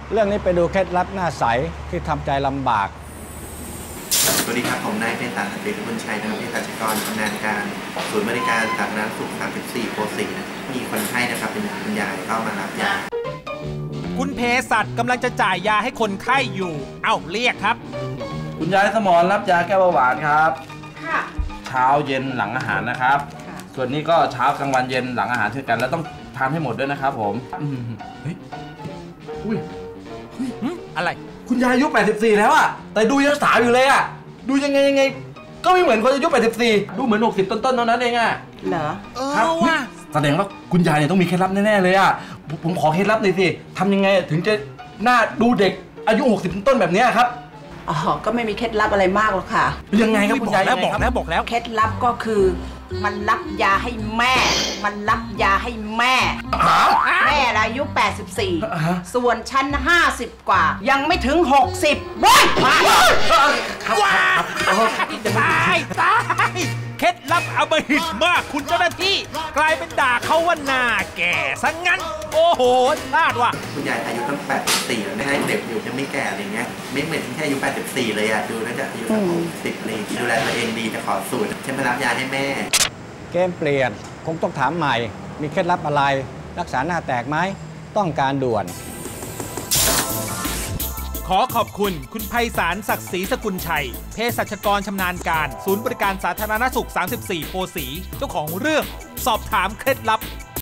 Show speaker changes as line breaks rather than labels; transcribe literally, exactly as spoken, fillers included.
เรื่องนี้ไปดูเคล็ดลับหน้าใสที่ทำใจลำบาก
สวัสดีครับผมนายเภสัช ศักดิ์ศรี สกุลชัยนะครับเภสัชกรชำนาญการศูนย์บริการสาธารณสุขสามสิบสี่โพธิ์ศรีนะมีคนไข้นะครับเป็นคุณยายเข้ามารับยา
คุณเภสัชกำลังจะจ่ายยาให้คนไข้อยู่เอ้าเรียกครับ
คุณยายสมรรับยาแก้เบาหวานครับค่ะเช้าเย็นหลังอาหารนะครับส่วนนี้ก็เช้ากลางวันเย็นหลังอาหารเช่นกันแล้วต้องทานให้หมดด้วยนะครับผมเฮ้ยอุ้ย
อะไร
คุณยายอายุแปดสิบสี่แล้วอะแต่ดูยังสาวอยู่เลยอะดูยังไงยังไงก็ไม่เหมือนคนอายุแปดสิบสี่ดูเหมือนหกสิบต้นๆเท่านั้นเองอะ
เหรอ
ครับว่าแสดงว่าคุณยายเนี่ยต้องมีเคล็ดลับแน่ๆเลยอะผมขอเคล็ดลับหน่อยสิทำยังไงถึงจะหน้าดูเด็กอายุหกสิบต้นๆแบบนี้ครับ
อ๋อก็ไม่มีเคล็ดลับอะไรมากหรอกค่ะ
ยังไงครับคุณยาย
แล้วบอกแล้วบอกแล้ว
เคล็ดลับก็คือมันรับยาให้แม่มันรับยาให้แม่แม่อายุแปดสิบสี่ส่วนฉันห้าสิบกว่ายังไม่ถึงหกสิบว้าย
ว้ายตายตายเคล็ดลับอมหิตมากคุณเจ้าหน้าที่กลายเป็นด่าเขาว่าหน้าแก่ซะงั้นโอ้โหพลาดว่ะ
คุณยายอายุตั้งแปดสิบสี่แล้วไม่ให้เด็กอยู่ยังไม่แก่อะไรเงี้ยไม่เหมือนแค่อายุแปดสิบสี่เลยอะดูน่าจะอายุสักหกสิบเลยดูแลตัวเองดีจะขอสูตรฉันมารับยาให้แม่
เกมเปลี่ยนคงต้องถามใหม่มีเคล็ดลับอะไรรักษาหน้าแตกไหมต้องการด่วน
ขอขอบคุณคุณไพศาล ศักดิ์ศรี สกุลชัยเภสัชกรชำนาญการศูนย์บริการสาธารณสุขสามสิบสี่โพธิ์ศรีเจ้าของเรื่องสอบถามเคล็ดลับ